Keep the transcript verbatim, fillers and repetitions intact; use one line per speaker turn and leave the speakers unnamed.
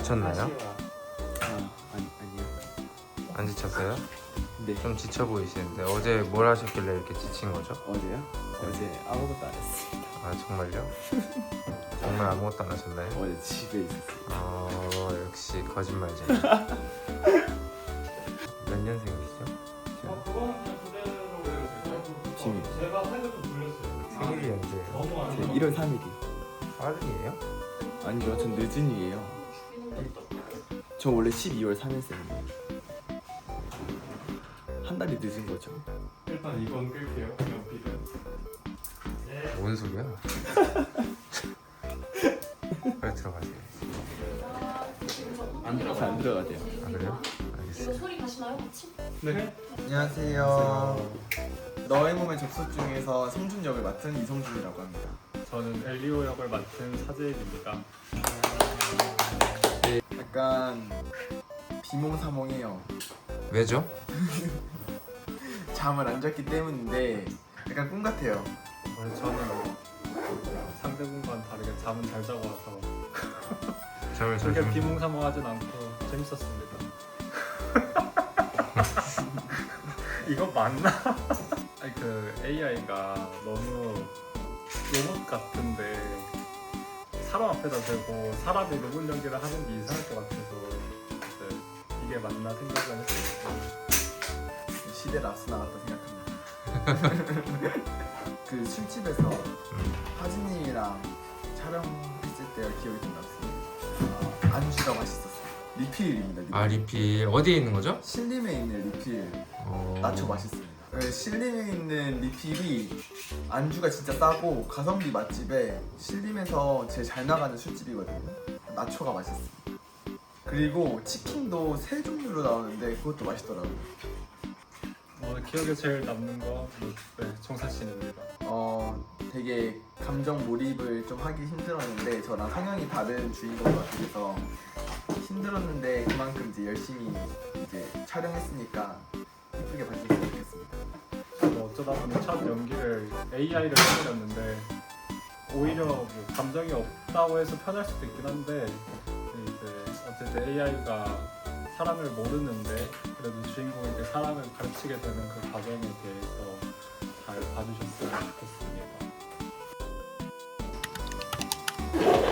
지쳤나요?
아, 아니, 아니요.
안 지쳤어요?
네.
좀 지쳐 보이시는데 어제 뭘 하셨길래 이렇게 지친 거죠?
어제요? 어제 아무것도 안 했습니다.
아 정말요? 정말 아무것도 안 하셨나요?
어제 집에 있었어요.
어 역시 거짓말쟁이. 몇 년생이시죠?
비밀.
생일이 언제예요?
제 일월 삼일이.
빠른이에요?
아니죠, 전 늦은이에요. 저 원래 십이월 삼일생이에요. 한 달이 늦은 거죠.
일단 이건 끌게요. 연필은.
뭔 소리야? 빨리 들어가세요.
안 들어가. 안 들어가대요.
아 그래요?
이거
알겠어요.
소리 가시나요, 같이?
네.
안녕하세요. 너의 몸의 접속 중에서 성준 역을 맡은 이성준이라고 합니다.
저는 엘리오 역을 맡은 사재익입니다.
약간 비몽사몽해요.
왜죠?
잠을 안 잤기 때문인데 약간 꿈 같아요.
원래 저는 상대분과는 다르게 잠은 잘 자고 와서
잠을 잘
그렇게
주무.
비몽사몽하진 않고 재밌었습니다. 이거 맞나? 아니 그 에이아이가 너무 로봇 같은데 사람 앞에다 대고 사람이 로봇 연기를 하는 게 이상할 것 같아서 이제 이게 맞나 생각을 했어요.
시대를 앞서 나갔다 생각합니다. 그 술집에서 하진님이랑 촬영했을 때가 기억이 좀 났습니다. 아, 안주가 맛있었어요. 리필입니다. 리필.
아 리필 어디에 있는 거죠?
신림에 있는 리필
어...
나초 맛있습니다. 네, 신림에 있는 리필이 안주가 진짜 싸고 가성비 맛집에 신림에서 제일 잘 나가는 술집이거든요. 나초가 맛있습니다. 그리고 치킨도 세 종류로 나오는데 그것도 맛있더라고요.
어, 기억에 제일 남는 건 네, 정사신입니다.
어, 되게 감정 몰입을 좀 하기 힘들었는데 저랑 성향이 다른 주인공 같아서 힘들었는데 그만큼 이제 열심히 이제 촬영했으니까 예쁘게 봐주셨으면 좋겠습니다.
저도 어쩌다 보니 첫 연기를 에이아이를 해버렸는데 오히려 뭐 감정이 없다고 해서 편할 수도 있긴 한데 이제 어쨌든 에이아이가 사람을 모르는데 그래도 주인공에게 사람을 가르치게 되는 그 과정에 대해서 잘 봐주셨으면 좋겠습니다.